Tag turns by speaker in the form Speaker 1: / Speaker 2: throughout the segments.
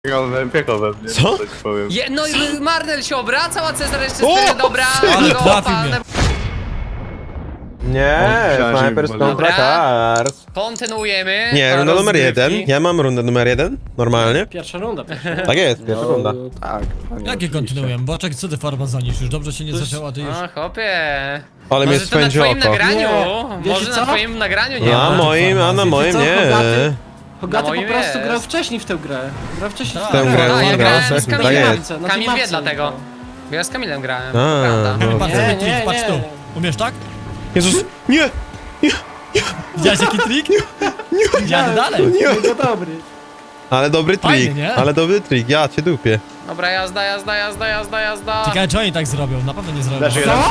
Speaker 1: Piekło we mnie,
Speaker 2: Co?
Speaker 1: tak powiem.
Speaker 3: No i Marnel się obracał, a Cezar jeszcze stoi, dobra.
Speaker 2: ale
Speaker 3: go
Speaker 2: trafił
Speaker 3: palnę.
Speaker 2: mnie.
Speaker 4: Nie,
Speaker 1: myślałem, że
Speaker 4: Snipers
Speaker 1: mi
Speaker 4: kontra
Speaker 3: Dobra.
Speaker 4: Cars.
Speaker 3: Kontynuujemy.
Speaker 4: Nie, runda numer
Speaker 3: rozgrywki.
Speaker 4: 1. Ja mam rundę numer 1, normalnie.
Speaker 5: Pierwsza runda.
Speaker 4: Tak jest, pierwsza runda.
Speaker 1: Tak.
Speaker 2: Jakie kontynuuję? Boczek, co ty farmazonisz? Już dobrze się nie zaczęła, ty już...
Speaker 3: O, chłopie.
Speaker 4: Ale mnie
Speaker 3: Może to na
Speaker 4: spędzi
Speaker 3: twoim
Speaker 4: oko.
Speaker 3: nagraniu.
Speaker 5: Nie.
Speaker 3: Może
Speaker 5: Wiecie
Speaker 3: na
Speaker 5: co?
Speaker 3: twoim nagraniu nie
Speaker 4: Na
Speaker 3: ma.
Speaker 4: moim, a na moim
Speaker 5: co,
Speaker 4: nie.
Speaker 5: Hogaty? Hogaty
Speaker 3: moim
Speaker 5: po prostu
Speaker 3: jest.
Speaker 5: grał wcześniej w tę grę. Grał wcześniej
Speaker 2: Tak.
Speaker 5: w tę
Speaker 4: Tę
Speaker 5: grę.
Speaker 4: grę,
Speaker 3: A, ja
Speaker 4: on
Speaker 3: grałem
Speaker 4: grał,
Speaker 3: z
Speaker 4: tak
Speaker 3: Kamilem.
Speaker 4: jest.
Speaker 5: Na
Speaker 3: Kamil wie
Speaker 5: Teamapsie.
Speaker 3: dlatego. Bo ja z Kamilem grałem.
Speaker 4: A,
Speaker 3: Prawda.
Speaker 4: no.
Speaker 2: Patrz
Speaker 5: Nie,
Speaker 2: sobie trik,
Speaker 5: nie,
Speaker 2: patrz
Speaker 5: nie.
Speaker 2: tu. Umiesz tak?
Speaker 4: Jezus, nie!
Speaker 2: Widziałeś jaki trik? Jadę dalej.
Speaker 5: Jego dobry.
Speaker 4: Ale dobry
Speaker 2: Fajnie,
Speaker 4: trik,
Speaker 2: nie?
Speaker 4: ale dobry trik, ja cię dupię.
Speaker 3: Dobra, jazda.
Speaker 2: Ciekawe, czy oni tak zrobią. Na pewno nie zrobią.
Speaker 1: Dasz jeden.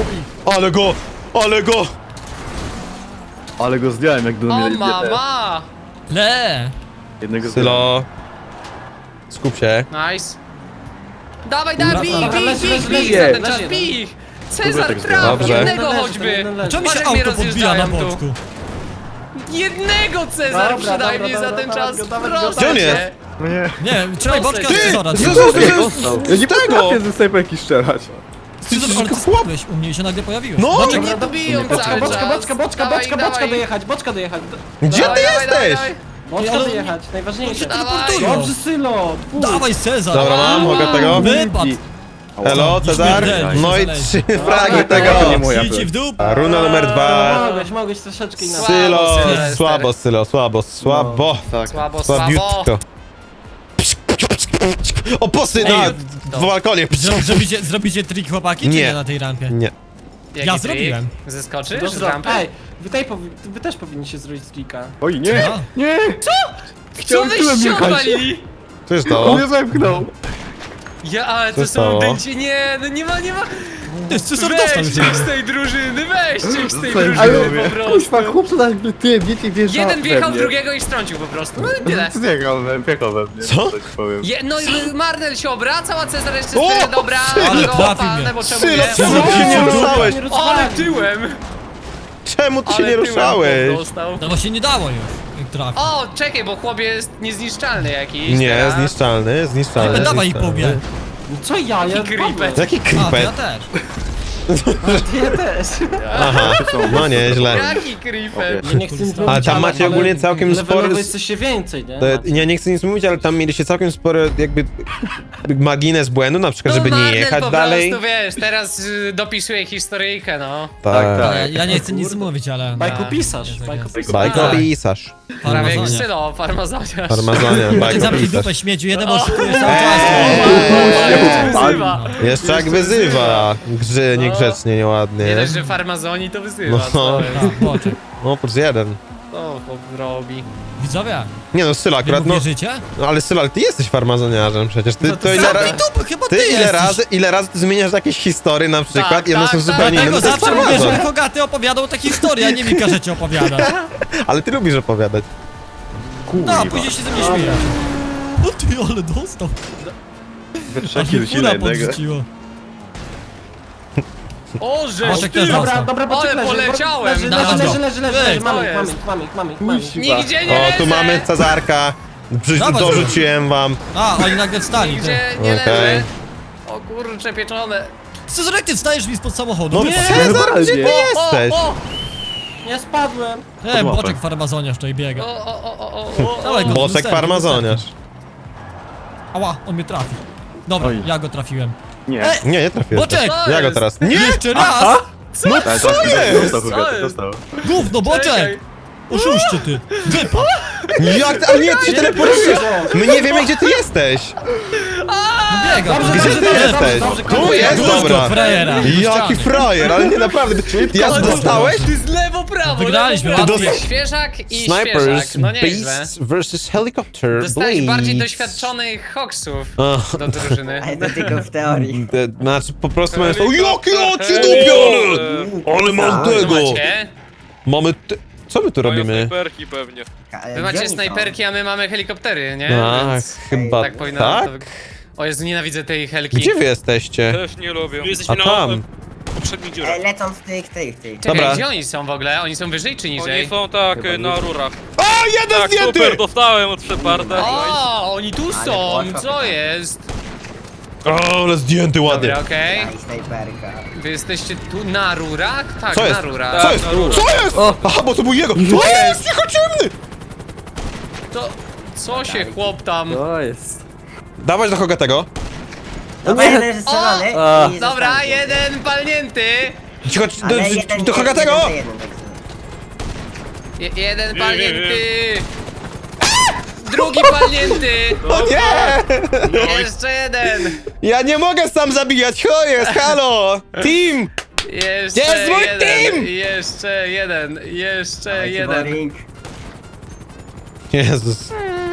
Speaker 4: Ale go!
Speaker 1: Ale go zdjąłem jak do
Speaker 3: O
Speaker 1: mnie.
Speaker 3: mama!
Speaker 2: Le!
Speaker 1: Jednego zdjąłem.
Speaker 4: Sylo. Skup się.
Speaker 3: Nice. Dawaj,
Speaker 5: Dobra,
Speaker 3: bij
Speaker 5: dobra,
Speaker 3: ich
Speaker 5: leży,
Speaker 3: za ten czas,
Speaker 5: leży.
Speaker 3: bij ich! Cezar
Speaker 1: tak
Speaker 3: traf,
Speaker 4: Dobrze.
Speaker 3: jednego
Speaker 5: Leży,
Speaker 3: choćby!
Speaker 5: jeden leży.
Speaker 2: Czemu mi się
Speaker 3: Patrz, jak mnie
Speaker 2: auto podbija na
Speaker 3: rozjeżdżają tu.
Speaker 2: boczku?
Speaker 3: Jednego Cezar
Speaker 5: Dobra,
Speaker 3: przynajmniej
Speaker 5: dobra,
Speaker 3: za ten
Speaker 5: dobra,
Speaker 3: czas,
Speaker 5: dobra,
Speaker 3: proszę
Speaker 4: Gdzie on
Speaker 3: cię.
Speaker 4: jest?
Speaker 1: No nie.
Speaker 2: Nie, trzymaj boczka,
Speaker 3: Ty!
Speaker 2: Cezara.
Speaker 4: Jezus,
Speaker 1: Ja nie
Speaker 4: tego!
Speaker 1: potrafię ze snajperki strzelać.
Speaker 2: Cezar, ale ty spadłeś u mnie i się nagle pojawiłeś.
Speaker 4: No!
Speaker 2: Boczek,
Speaker 3: Nie dobiją
Speaker 5: Boczka,
Speaker 3: cały
Speaker 5: boczka,
Speaker 3: czas.
Speaker 5: boczka, boczka,
Speaker 3: Dawaj,
Speaker 5: boczka,
Speaker 3: dawaj.
Speaker 5: boczka dojechać, boczka dojechać.
Speaker 4: Gdzie ty jesteś?
Speaker 5: Boczka
Speaker 2: ale-
Speaker 5: dojechać, najważniejsze.
Speaker 3: Dawaj.
Speaker 2: teleportują.
Speaker 5: Dobrze, Sylo. Pójdź.
Speaker 2: Dawaj Cezar.
Speaker 4: Dobra, mam, mogę tego?
Speaker 2: Wypad.
Speaker 4: Hello, Cezar?
Speaker 2: śmierdzeli,
Speaker 4: No i
Speaker 2: zależy.
Speaker 4: 3 fragi
Speaker 5: Dobra,
Speaker 4: tego.
Speaker 1: to nie moja
Speaker 2: Ci w dół.
Speaker 4: A runda numer 2.
Speaker 5: Mogłeś troszeczkę inaczej.
Speaker 4: Sylo,
Speaker 3: Sylwester.
Speaker 4: słabo, Sylo, słabo.
Speaker 1: Tak.
Speaker 3: Słabo.
Speaker 4: Słabiutko. Oposy na
Speaker 2: Ej,
Speaker 4: w balkonie.
Speaker 2: Zrobicie trik chłopaki, czy
Speaker 4: Nie.
Speaker 2: nie na tej rampie?
Speaker 4: Nie.
Speaker 3: Jaki
Speaker 2: Ja
Speaker 3: trik?
Speaker 2: zrobiłem.
Speaker 3: Zeskoczysz z
Speaker 5: Dobra,
Speaker 3: rampy?
Speaker 5: ej, wy też powinniście zrobić trika.
Speaker 1: Oj, nie!
Speaker 2: A.
Speaker 1: Nie!
Speaker 3: Co
Speaker 1: Chciałem
Speaker 3: wyście
Speaker 1: tyłem
Speaker 3: się
Speaker 1: jechać.
Speaker 3: odwalili?
Speaker 4: Co jest
Speaker 1: On
Speaker 4: to?
Speaker 1: mnie zepchnął.
Speaker 3: Ja, ale
Speaker 4: Co
Speaker 3: to
Speaker 4: stało?
Speaker 3: są dęcie, nie, no nie ma.
Speaker 2: To jest Cezar dostał
Speaker 3: Weźcie
Speaker 2: już.
Speaker 3: ich z tej drużyny, weźcie ich z tej
Speaker 1: Ale
Speaker 3: drużyny po prostu.
Speaker 1: kuźwa, chłopcu na tym wiecie wjeżdża
Speaker 3: Jeden wjechał
Speaker 1: we
Speaker 3: w
Speaker 1: mnie.
Speaker 3: drugiego i strącił po prostu, no i tyle.
Speaker 1: Piekło we mnie,
Speaker 4: Co?
Speaker 1: tak powiem.
Speaker 3: No i Marnel się obracał, a Cezar jeszcze
Speaker 4: O!
Speaker 3: stoi, dobra,
Speaker 2: Ale
Speaker 3: go
Speaker 2: trafił
Speaker 3: palnę,
Speaker 2: mnie.
Speaker 3: bo czemu
Speaker 4: Sylo,
Speaker 3: nie?
Speaker 4: czemu ty się nie ruszałeś?
Speaker 3: Ale tyłem!
Speaker 4: Czemu ty się
Speaker 3: Ale
Speaker 4: nie
Speaker 3: tyłem
Speaker 4: ruszałeś?
Speaker 3: dostał.
Speaker 2: No właśnie nie dało już. Jak trafi.
Speaker 3: O, czekaj, bo chłop jest niezniszczalny jakiś.
Speaker 4: Nie,
Speaker 3: teraz.
Speaker 4: zniszczalny, zniszczalny.
Speaker 2: Dawaj ich po
Speaker 4: zniszczalny.
Speaker 2: mnie.
Speaker 5: No co ja
Speaker 3: creepy.
Speaker 4: Jaki
Speaker 2: A, to ja
Speaker 4: creeper?
Speaker 2: też.
Speaker 5: Ja też.
Speaker 4: Aha, no nieźle.
Speaker 3: Jaki creeper.
Speaker 5: Ja nie chcę nic mówić,
Speaker 4: Ale tam macie ogólnie całkiem spory...
Speaker 5: levelowo jest coś się więcej, nie?
Speaker 4: Ja nie chcę nic mówić, ale tam mieliście całkiem spory jakby margines błędu, na przykład, żeby nie
Speaker 3: Marnel
Speaker 4: jechać
Speaker 3: po
Speaker 4: dalej.
Speaker 3: prostu, wiesz, teraz dopisuję historyjkę, no.
Speaker 4: Tak,
Speaker 2: Ja nie chcę nic mówić, ale...
Speaker 5: Bajkopisarz,
Speaker 2: jest jak
Speaker 5: bajkopisarz.
Speaker 4: Bajkopisarz.
Speaker 3: Prawie jak
Speaker 2: Farmazonia.
Speaker 3: Sylo, farmazoniarz.
Speaker 4: Farmazonia,
Speaker 2: Zamknij
Speaker 4: bajkopisarz.
Speaker 2: dupę śmieciu, jeden oszukuje cały czas.
Speaker 3: Wyzywa.
Speaker 4: Jeszcze jak wyzywa. Niegrzecznie, nieładnie.
Speaker 3: Nie dość, że farmazoni to wyzywa.
Speaker 4: No.
Speaker 3: Co jest?
Speaker 2: A, boczek.
Speaker 4: No, plus jeden.
Speaker 3: Co chłop robi?
Speaker 2: Widzowie,
Speaker 4: Nie no, Sylo
Speaker 2: wy
Speaker 4: akurat,
Speaker 2: mu
Speaker 4: no...
Speaker 2: wierzycie?
Speaker 4: No ale Sylo, ale ty jesteś farmazoniarzem przecież. Ty to ile
Speaker 2: Zamknij
Speaker 4: razy...
Speaker 2: dupę, chyba ty
Speaker 4: Ty
Speaker 2: jesteś.
Speaker 4: ile razy ty zmieniasz jakieś historie na przykład
Speaker 3: Tak,
Speaker 4: i one
Speaker 3: tak,
Speaker 4: są
Speaker 3: tak.
Speaker 4: zupełnie inne,
Speaker 2: Dlatego
Speaker 4: no to jest
Speaker 2: zawsze mówię,
Speaker 4: farmazon.
Speaker 2: że Hogaty opowiadał takie historie, a nie mi każecie opowiadać.
Speaker 4: Ale ty lubisz opowiadać.
Speaker 2: No, a później się ze mnie śmiejesz. O ty, ale dostał.
Speaker 1: We
Speaker 2: Aż
Speaker 1: trzech
Speaker 2: mi
Speaker 1: rzuci na
Speaker 2: fura
Speaker 1: jednego.
Speaker 2: podrzuciło.
Speaker 3: O, żeż
Speaker 2: Boczek
Speaker 3: ty!
Speaker 2: też
Speaker 5: Dobra,
Speaker 2: dostał.
Speaker 5: dobra, boczek
Speaker 3: Ale
Speaker 5: leży.
Speaker 3: poleciałem.
Speaker 5: Leży,
Speaker 2: Dawaj
Speaker 5: leży,
Speaker 2: go.
Speaker 5: leży, leży,
Speaker 2: Ej,
Speaker 5: leży.
Speaker 3: co
Speaker 5: Mamy,
Speaker 3: jest?
Speaker 5: mamy.
Speaker 3: Nigdzie nie
Speaker 4: O,
Speaker 3: leżę!
Speaker 4: tu mamy Cezarka.
Speaker 2: Dawaj,
Speaker 4: Dorzuciłem wam.
Speaker 2: A, oni nagle wstali.
Speaker 3: Nigdzie
Speaker 2: ty.
Speaker 3: nie
Speaker 4: Okej.
Speaker 3: leżę. O kurcze pieczone.
Speaker 2: Cezar, jak ty wstajesz mi spod samochodu?
Speaker 4: No
Speaker 2: Nie,
Speaker 4: Cezar, gdzie ty jesteś?
Speaker 3: O,
Speaker 5: Nie spadłem.
Speaker 2: nie, boczek farmazoniarz tutaj biega. Dawaj go,
Speaker 4: Boczek
Speaker 2: lusterko,
Speaker 4: farmazoniarz.
Speaker 2: Ała, on mnie trafi. Dobra,
Speaker 1: Oj.
Speaker 2: ja go trafiłem.
Speaker 1: Nie.
Speaker 4: Nie trafiłem.
Speaker 2: Boczek!
Speaker 3: Co
Speaker 4: Ja go
Speaker 3: jest?
Speaker 4: teraz. Nie!
Speaker 2: Jeszcze raz!
Speaker 4: No
Speaker 1: Ale
Speaker 4: co
Speaker 1: to
Speaker 4: jest?
Speaker 1: Dostał,
Speaker 3: Co
Speaker 1: Hugaty,
Speaker 3: jest?
Speaker 1: dostał.
Speaker 2: Gówno, boczek! Oszuście ty! Wypad!
Speaker 4: Jak ty? Ale nie, ty się teleportujesz! My nie wiemy, gdzie ty jesteś!
Speaker 2: No biega!
Speaker 5: Dobrze,
Speaker 4: Gdzie ty jesteś? Tu jest,
Speaker 2: Dobra!
Speaker 4: dobra!
Speaker 2: Frajera!
Speaker 4: Jaki frajer, ale nie naprawdę. Ja dostałeś?
Speaker 3: Ty z lewo, prawo,
Speaker 2: Wygraliśmy,
Speaker 3: lewo, prawo.
Speaker 4: łatwiej.
Speaker 3: Świeżak i
Speaker 4: Snipers,
Speaker 3: świeżak, no nieźle.
Speaker 4: Beasts vs. Helicopter,
Speaker 3: Dostałeś bardziej
Speaker 4: Blades.
Speaker 3: doświadczonych hoksów
Speaker 4: Ach.
Speaker 3: do drużyny.
Speaker 6: Ale to tylko w teorii.
Speaker 4: Znaczy po prostu mamy... Jakie oczy dupione! Ale mam
Speaker 3: Co
Speaker 4: tego!
Speaker 3: macie?
Speaker 4: Mamy... Co my tu
Speaker 7: Mają
Speaker 4: robimy?
Speaker 7: snajperki pewnie.
Speaker 3: Wy macie snajperki, a my mamy helikoptery, nie?
Speaker 4: Tak,
Speaker 3: Więc
Speaker 4: chyba
Speaker 3: tak powinno
Speaker 4: tak?
Speaker 3: to... O Jezu, nienawidzę tej helki.
Speaker 4: Gdzie wy jesteście?
Speaker 7: Też nie lubię.
Speaker 4: A tam.
Speaker 7: Poprzednich dziurach.
Speaker 6: Lecą z tych.
Speaker 3: Czekaj,
Speaker 4: Dobra.
Speaker 3: gdzie oni są w ogóle? Oni są wyżej czy
Speaker 7: Oni
Speaker 3: niżej?
Speaker 7: są tak na rurach.
Speaker 4: jeden
Speaker 6: Tak,
Speaker 4: zdjęty!
Speaker 6: super, dostałem od Sheparda.
Speaker 3: O, oni tu są,
Speaker 7: poszło
Speaker 3: co
Speaker 7: pytanie.
Speaker 3: jest?
Speaker 4: O, ale zdjęty ładnie.
Speaker 3: Dobra, okej.
Speaker 7: Daj snajperka.
Speaker 3: Wy jesteście tu na rurach? Tak,
Speaker 4: Co
Speaker 3: na
Speaker 4: jest?
Speaker 3: rurach.
Speaker 4: Co jest? Co jest? Aha, bo to był jego. To jest cicho ciemny!
Speaker 3: To, co się chłop tam...
Speaker 1: To jest.
Speaker 4: Dawać do Hogatego.
Speaker 7: Dobra, jeden zestrzelony. i
Speaker 3: Dobra,
Speaker 7: został
Speaker 3: jeden palnięty.
Speaker 4: Cicho,
Speaker 7: Ale jeden-
Speaker 4: do Hogatego!
Speaker 7: jeden, tak sobie.
Speaker 3: Jeden palnięty. Drugi palnięty.
Speaker 4: O nie!
Speaker 3: Jeszcze jeden.
Speaker 4: Ja nie mogę sam zabijać, o jest, halo! Team!
Speaker 3: Jeszcze
Speaker 4: Jest mój
Speaker 3: jeden.
Speaker 4: team!
Speaker 3: Jeszcze jeden. Jeszcze
Speaker 7: Dawajcie,
Speaker 3: jeden.
Speaker 7: boring.
Speaker 4: Jezus.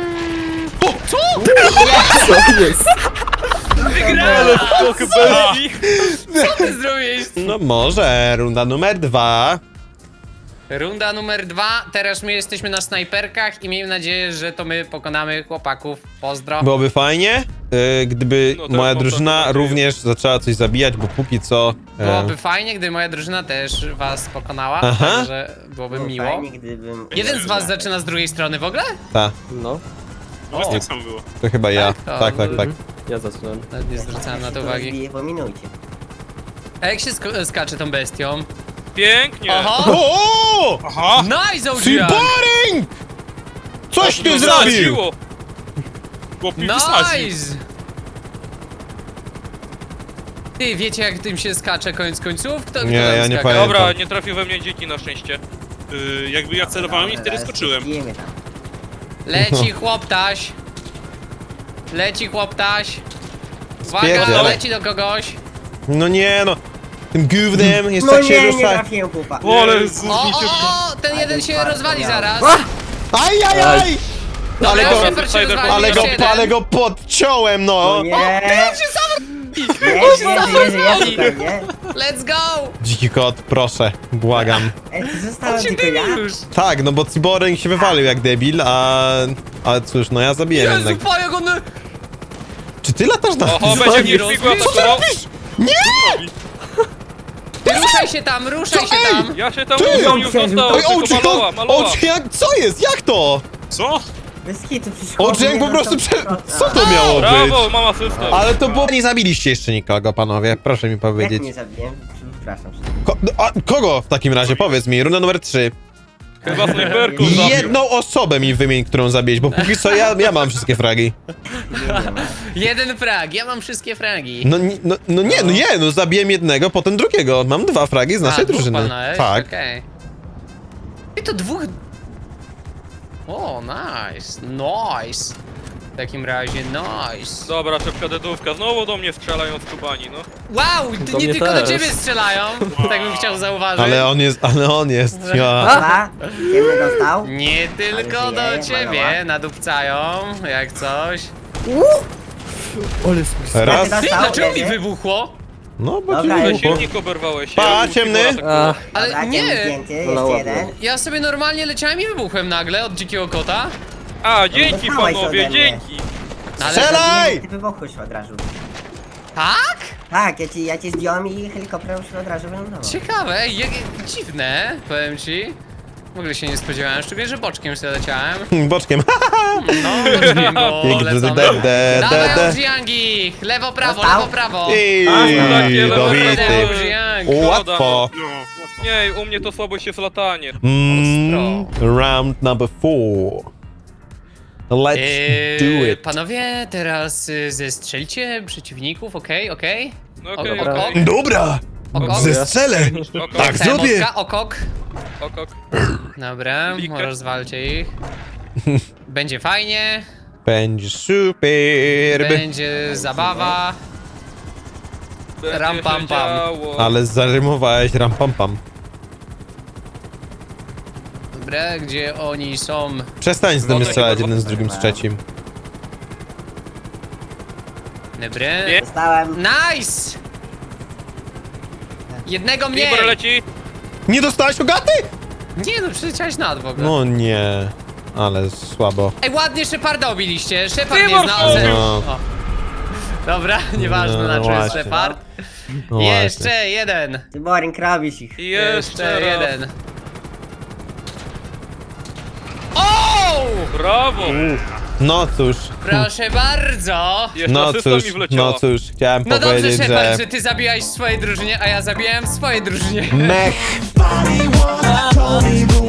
Speaker 1: To jest.
Speaker 3: Wygrałem!
Speaker 6: Skok bestii.
Speaker 3: Co ty zrobiłeś?
Speaker 4: No może, runda numer 2.
Speaker 3: Runda numer 2. Teraz my jesteśmy na snajperkach i miejmy nadzieję, że to my pokonamy chłopaków. Pozdro.
Speaker 4: Byłoby fajnie, gdyby
Speaker 6: No,
Speaker 4: moja
Speaker 6: mam
Speaker 4: drużyna
Speaker 6: taką nadzieję.
Speaker 4: również zaczęła coś zabijać, bo póki co...
Speaker 3: Byłoby fajnie, gdyby moja drużyna też was pokonała,
Speaker 4: Aha.
Speaker 3: także byłoby
Speaker 7: Było
Speaker 3: miło.
Speaker 7: Fajnie, gdybym...
Speaker 3: Jeden z was zaczyna z drugiej strony w ogóle?
Speaker 4: Ta,
Speaker 1: No,
Speaker 6: No, tak samo było.
Speaker 4: to chyba ja.
Speaker 3: Tak?
Speaker 4: Tak, tak, tak.
Speaker 1: ja zaczynam.
Speaker 3: Nawet nie zwracałem na to uwagi.
Speaker 7: Rozbiję po minucie.
Speaker 3: A jak się skacze tą bestią?
Speaker 6: Pięknie.
Speaker 3: Oho!
Speaker 4: O!
Speaker 6: Aha.
Speaker 3: Nice, OGN!
Speaker 4: Boring! Coś ty
Speaker 6: No,
Speaker 4: zrobił!
Speaker 6: zadziło. Chłop mi wysadził.
Speaker 3: Nice! Ty, wiecie jak tym się skacze koniec końców? Kto
Speaker 4: Nie,
Speaker 3: tam
Speaker 4: ja nie
Speaker 3: skakał?
Speaker 4: pamiętam.
Speaker 6: Dobra, nie trafił we mnie dziki na szczęście. Jakby ja celowałem i wtedy
Speaker 7: Teraz
Speaker 6: skoczyłem.
Speaker 7: bijemy tam.
Speaker 3: Leci chłoptaś. Leci chłoptaś. Uwaga,
Speaker 4: Spierdziel.
Speaker 3: leci do kogoś.
Speaker 4: No nie no, tym gównem jest
Speaker 7: No
Speaker 4: tak się
Speaker 7: nie, nie
Speaker 4: rusza.
Speaker 7: trafiłem chłopa.
Speaker 6: O, ale
Speaker 3: O,
Speaker 6: gównicie.
Speaker 3: ten jeden się rozwali zaraz.
Speaker 4: Ajajaj! Ale
Speaker 3: Dobra,
Speaker 4: go,
Speaker 3: Shepard się rozwalił,
Speaker 4: ale go,
Speaker 3: jeszcze jeden.
Speaker 4: ale go podciąłem, no!
Speaker 7: O nie! Jezu,
Speaker 3: rozwali.
Speaker 7: pewnie.
Speaker 3: Let's go!
Speaker 4: Dziki kot, proszę, błagam.
Speaker 7: Zostałem tylko ja.
Speaker 3: Już.
Speaker 4: Tak, no bo Cyborg się wywalił jak debil, a cóż, no ja zabiję
Speaker 3: Jezu,
Speaker 4: jednak.
Speaker 3: pa, jak on...
Speaker 4: Czy ty latasz na...
Speaker 6: Oho, będzie mnie figła
Speaker 3: Co ty
Speaker 6: atakował.
Speaker 3: Ty ruszaj się tam, ruszaj się
Speaker 4: ej?
Speaker 3: tam!
Speaker 6: Ja się tam
Speaker 4: Ty!
Speaker 6: uwziął, już dostał,
Speaker 4: Oj,
Speaker 6: tylko maloła, maloła.
Speaker 4: jak, co jest? Jak to?
Speaker 6: Co?
Speaker 7: Bez kitu przecież
Speaker 4: Jak po prostu Co to miało być?
Speaker 6: Brawo, mama system.
Speaker 4: Ale to było... Nie zabiliście jeszcze nikogo, panowie, proszę mi
Speaker 7: Jak
Speaker 4: powiedzieć.
Speaker 7: nie zabiłem? Przepraszam.
Speaker 4: Kogo w takim razie? Powiedz mi, runda numer 3.
Speaker 6: Chyba snajperką zabił.
Speaker 4: Jedną osobę mi wymień, którą zabiłeś, bo póki co ja mam wszystkie fragi.
Speaker 3: Jeden frag, ja mam wszystkie fragi.
Speaker 4: No zabiłem jednego, potem drugiego. Mam 2 fragi z naszej
Speaker 3: dwóch
Speaker 4: drużyny.
Speaker 3: palnąłeś?
Speaker 4: Tak.
Speaker 3: Okej. I to dwóch... O, nice, nice. W takim razie, nice.
Speaker 6: Dobra, szybka dedówka. Znowu do mnie strzelają z kubani, no.
Speaker 3: Wow,
Speaker 1: Do
Speaker 3: nie
Speaker 1: mnie
Speaker 3: tylko do
Speaker 1: też.
Speaker 3: ciebie strzelają, tak bym chciał zauważyć.
Speaker 4: Ale on jest. Ja.
Speaker 7: Dwa. Ciemny dostał.
Speaker 3: Nie tylko
Speaker 7: Ale
Speaker 3: do
Speaker 7: żyje,
Speaker 3: ciebie
Speaker 7: malowa.
Speaker 3: nadupcają, jak coś.
Speaker 1: Ole spójrz.
Speaker 4: Raz.
Speaker 7: Dostał,
Speaker 3: Ty, dlaczego mi
Speaker 7: leży.
Speaker 3: wybuchło?
Speaker 4: No bo
Speaker 7: Dobra,
Speaker 4: ci
Speaker 6: Ale
Speaker 4: wybuchło.
Speaker 6: silnik oberwałeś się.
Speaker 4: Pa,
Speaker 6: Figura
Speaker 4: ciemny.
Speaker 6: atakował.
Speaker 3: Ale
Speaker 7: Dobra, ciemny
Speaker 3: nie!
Speaker 7: zdjęty,
Speaker 1: No,
Speaker 7: jeszcze
Speaker 1: ładnie.
Speaker 7: jeden.
Speaker 3: Ja sobie normalnie leciałem i wybuchłem nagle od dzikiego kota.
Speaker 6: A, dzięki
Speaker 7: dostałeś
Speaker 6: panowie,
Speaker 7: ode mnie.
Speaker 6: dzięki.
Speaker 3: Ale...
Speaker 4: Strzelaj!
Speaker 7: Ty wybuchłeś od razu.
Speaker 3: Tak?
Speaker 7: Tak, ja ci zdjąłem i helikopterem się od razu wylądował.
Speaker 3: Ciekawe, dziwne, powiem ci. W ogóle się nie spodziewałem, szczególnie, że boczkiem sobie leciałem.
Speaker 4: Boczkiem.
Speaker 3: No, boczkiem, bo lecą. Dawaj, Ojiangi! Lewo, prawo,
Speaker 7: Dostał?
Speaker 3: lewo, prawo!
Speaker 4: I dobity.
Speaker 3: Ojiang!
Speaker 4: Łatwo.
Speaker 6: Nie, u mnie to słabo się z latanie.
Speaker 4: Round number 4. Let's do it.
Speaker 3: Panowie, teraz zestrzelcie przeciwników, okej?
Speaker 6: No okej,
Speaker 3: Ok, ok.
Speaker 6: okej.
Speaker 4: Dobra,
Speaker 3: Okok.
Speaker 4: zestrzelę.
Speaker 6: Okok,
Speaker 4: Tak zrobię.
Speaker 3: Okok.
Speaker 6: okok.
Speaker 3: Dobra,
Speaker 6: Blikę.
Speaker 3: rozwalcie ich. Będzie fajnie,
Speaker 4: Będzie super.
Speaker 3: będzie zabawa.
Speaker 6: Będzie
Speaker 3: Ram,
Speaker 6: się
Speaker 3: pam, pam.
Speaker 6: działo.
Speaker 4: Ale zarymowałeś ram pam pam.
Speaker 3: Dobra, gdzie oni są?
Speaker 4: Przestań z tym
Speaker 6: Wodę
Speaker 4: strzelać
Speaker 6: chyba
Speaker 4: jeden z drugim, z trzecim.
Speaker 3: Dobra.
Speaker 6: Nie.
Speaker 7: Dostałem.
Speaker 3: Nice! Jednego mniej!
Speaker 6: Libor leci.
Speaker 4: Nie dostałeś ogaty?
Speaker 3: Nie no, przyleciałeś nad w ogóle.
Speaker 4: No nie, ale słabo.
Speaker 3: Ej, ładnie Sheparda obiliście. Shepard
Speaker 6: Ty
Speaker 3: nie
Speaker 6: masz
Speaker 3: znał.
Speaker 6: obił.
Speaker 4: No.
Speaker 3: O. Dobra, nieważne
Speaker 4: No,
Speaker 3: na czym jest
Speaker 4: właśnie.
Speaker 3: Shepard.
Speaker 4: No
Speaker 3: Jeszcze jeden.
Speaker 7: Ty boring, robisz ich.
Speaker 6: I jeszcze raz.
Speaker 3: jeden. O!
Speaker 6: Brawo!
Speaker 4: No cóż,
Speaker 3: Proszę bardzo!
Speaker 6: Jeszcze
Speaker 4: no
Speaker 6: asysta
Speaker 4: cóż,
Speaker 6: mi wleciała.
Speaker 4: no cóż, chciałem
Speaker 3: No dobrze,
Speaker 4: powiedzieć,
Speaker 3: Shepard,
Speaker 4: że...
Speaker 3: że ty zabijałeś w swojej drużynie, a ja zabijałem w swojej drużynie.
Speaker 4: Mech!
Speaker 8: Body wanna, Tony Moon.